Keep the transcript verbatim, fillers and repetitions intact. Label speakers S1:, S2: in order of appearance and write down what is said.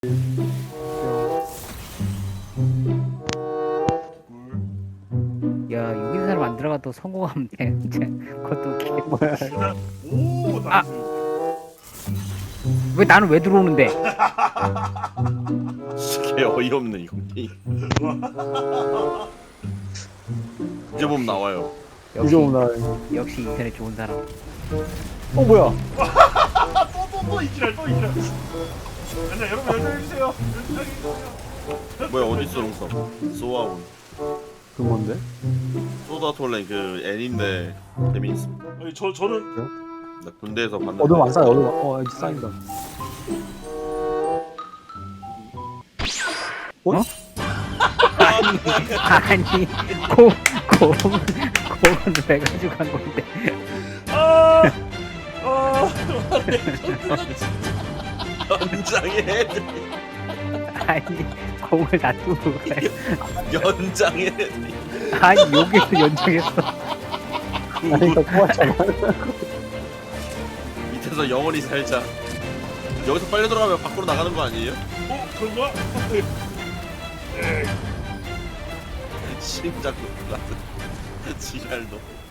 S1: 야, 여기 사람 안 들어가도 성공하면 돼. 이제 그것도 개...
S2: 뭐야?
S3: 오,
S1: 아!
S3: 나이스.
S1: 왜 나는 왜 들어오는데?
S4: 개 어이없네 이거. 이제 보면 나와요.
S1: 역시,
S2: 이제 오나.
S1: 역시 인터넷 좋은 사람.
S2: 어 뭐야?
S3: 또또또 이지랄 또 이지랄. 아니 여러분 열정해주세요. 열정해주세요.
S4: 뭐야 어디 있어 롱서? 소아온.
S2: 그 뭔데?
S4: 소다 톨렌 그 애니인데 재미있어.
S3: 아니 저 저는
S4: 나 군대에서 봤는데.
S2: 어둠 안 쌓여. 어둠. 어 이제 쌓인다. 어?
S1: 아니, 고, 고, 고는 왜 가지고 간 건데?
S3: 아, 아,
S4: 연장의 애들.
S1: 아니, 공을 놔두고 가요.
S4: 연장의 애들.
S1: 아니, 여기서 연장했어.
S2: 아니 나 꼬았잖아.
S4: 밑에서 영원히 살자. 여기서 빨리 들어가면 밖으로 나가는 거 아니에요?
S3: 어 그런가?
S4: 심장 같은 지랄도.